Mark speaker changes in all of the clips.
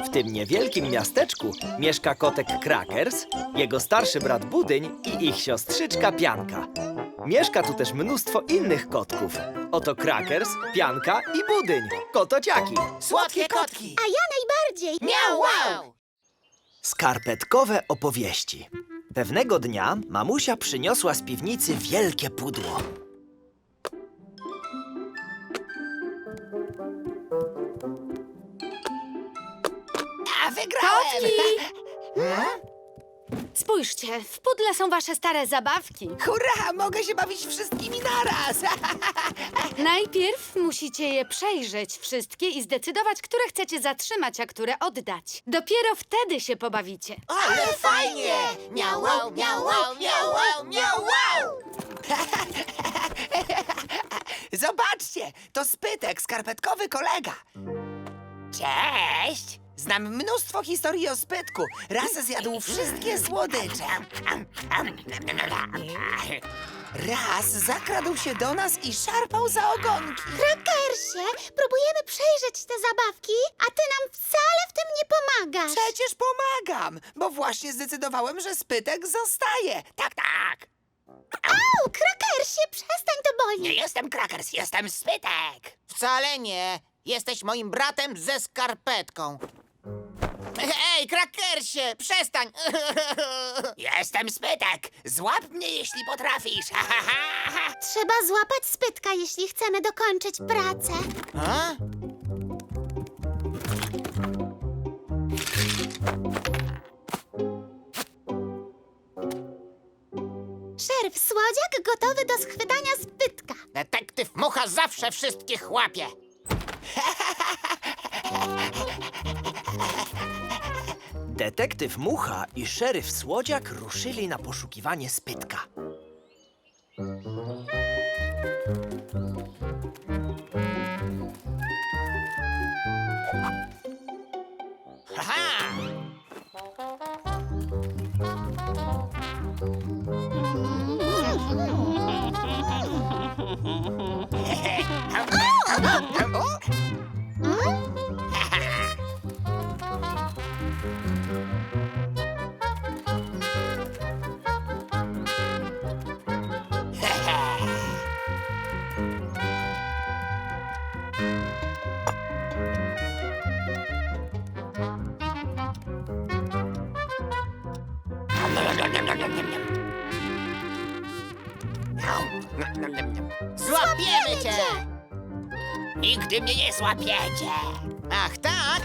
Speaker 1: W tym niewielkim miasteczku mieszka kotek Crackers, jego starszy brat Budyń i ich siostrzyczka Pianka. Mieszka tu też mnóstwo innych kotków. Oto Crackers, Pianka i Budyń, kotociaki.
Speaker 2: Słodkie kotki!
Speaker 3: A ja najbardziej!
Speaker 2: Miau, wow!
Speaker 1: Skarpetkowe opowieści. Pewnego dnia mamusia przyniosła z piwnicy wielkie pudło.
Speaker 2: A wygrałem!
Speaker 4: Spójrzcie, w pudle są wasze stare zabawki.
Speaker 2: Hurra! Mogę się bawić wszystkimi naraz!
Speaker 4: Najpierw musicie je przejrzeć wszystkie i zdecydować, które chcecie zatrzymać, a które oddać. Dopiero wtedy się pobawicie.
Speaker 2: Ale fajnie! Miau, wow, miau, wow, miau, wow, miau, wow! Zobaczcie! To Spytek, skarpetkowy kolega. Cześć! Znam mnóstwo historii o Spytku. Raz zjadł wszystkie słodycze. Raz zakradł się do nas i szarpał za ogonki.
Speaker 3: Crackersie, próbujemy przejrzeć te zabawki, a ty nam wcale w tym nie pomagasz.
Speaker 2: Przecież pomagam, bo właśnie zdecydowałem, że Spytek zostaje. Tak, tak.
Speaker 3: Au, Crackersie, przestań, to boli.
Speaker 2: Nie jestem Crackers, jestem Spytek. Wcale nie. Jesteś moim bratem ze skarpetką. Ej, Crackersie, przestań! Jestem Spytek. Złap mnie, jeśli potrafisz.
Speaker 3: Trzeba złapać Spytka, jeśli chcemy dokończyć pracę.
Speaker 2: A?
Speaker 3: Szeryf Słodziak gotowy do schwytania Spytka.
Speaker 2: Detektyw Mucha zawsze wszystkich łapie.
Speaker 1: Detektyw Mucha i szeryf Słodziak ruszyli na poszukiwanie Spytka.
Speaker 2: Haha! Złapiemy cię! Nigdy mnie nie złapiecie! Ach, tak?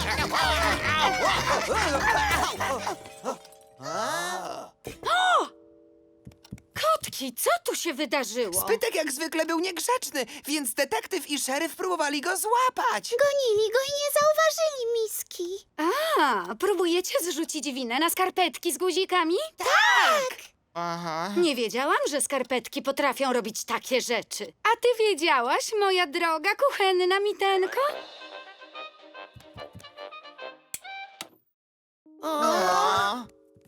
Speaker 4: Kotki, co tu się wydarzyło?
Speaker 2: Spytek jak zwykle był niegrzeczny, więc detektyw i szeryf próbowali go złapać.
Speaker 3: Gonili go i nie zauważyli miski.
Speaker 4: A, próbujecie zrzucić winę na skarpetki z guzikami?
Speaker 2: Tak! Aha.
Speaker 4: Nie wiedziałam, że skarpetki potrafią robić takie rzeczy. A ty wiedziałaś, moja droga kuchenna mitenko?
Speaker 2: O.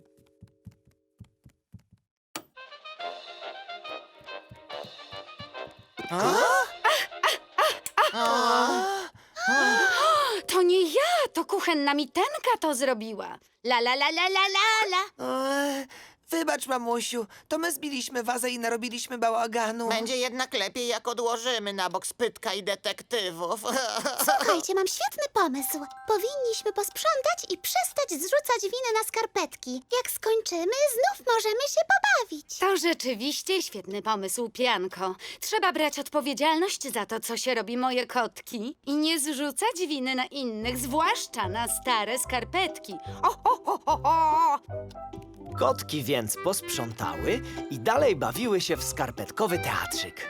Speaker 4: To nie ja, to kuchenna mitenka to zrobiła. La la la la la la la.
Speaker 2: Wybacz, mamusiu, to my zbiliśmy wazę i narobiliśmy bałaganu. Będzie jednak lepiej, jak odłożymy na bok Spytka i detektywów.
Speaker 3: Słuchajcie, mam świetny pomysł. Powinniśmy posprzątać i przestać zrzucać winę na skarpetki. Jak skończymy, znów możemy się pobawić.
Speaker 4: To rzeczywiście świetny pomysł, Pianko. Trzeba brać odpowiedzialność za to, co się robi, moje kotki. I nie zrzucać winy na innych, zwłaszcza na stare skarpetki. O!
Speaker 1: Kotki więc posprzątały i dalej bawiły się w skarpetkowy teatrzyk.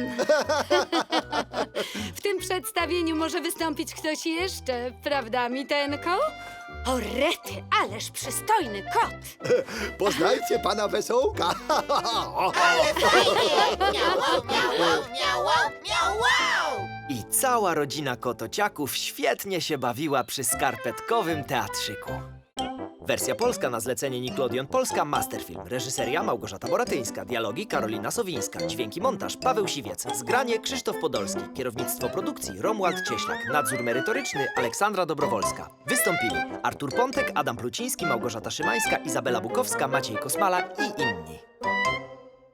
Speaker 4: W tym przedstawieniu może wystąpić ktoś jeszcze, prawda, Mitenko? O rety, ależ przystojny kot!
Speaker 5: Poznajcie pana Wesołka.
Speaker 2: Ale fajnie! Miau, wow, miau, wow, miau, wow, miau, wow!
Speaker 1: I cała rodzina kotociaków świetnie się bawiła przy skarpetkowym teatrzyku. Wersja polska na zlecenie Nickelodeon Polska Masterfilm. Reżyseria Małgorzata Boratyńska. Dialogi Karolina Sowińska. Dźwięki montaż Paweł Siwiec. Zgranie Krzysztof Podolski. Kierownictwo produkcji Romuald Cieślak. Nadzór merytoryczny Aleksandra Dobrowolska. Wystąpili Artur Pontek, Adam Pluciński, Małgorzata Szymańska, Izabela Bukowska, Maciej Kosmala i inni.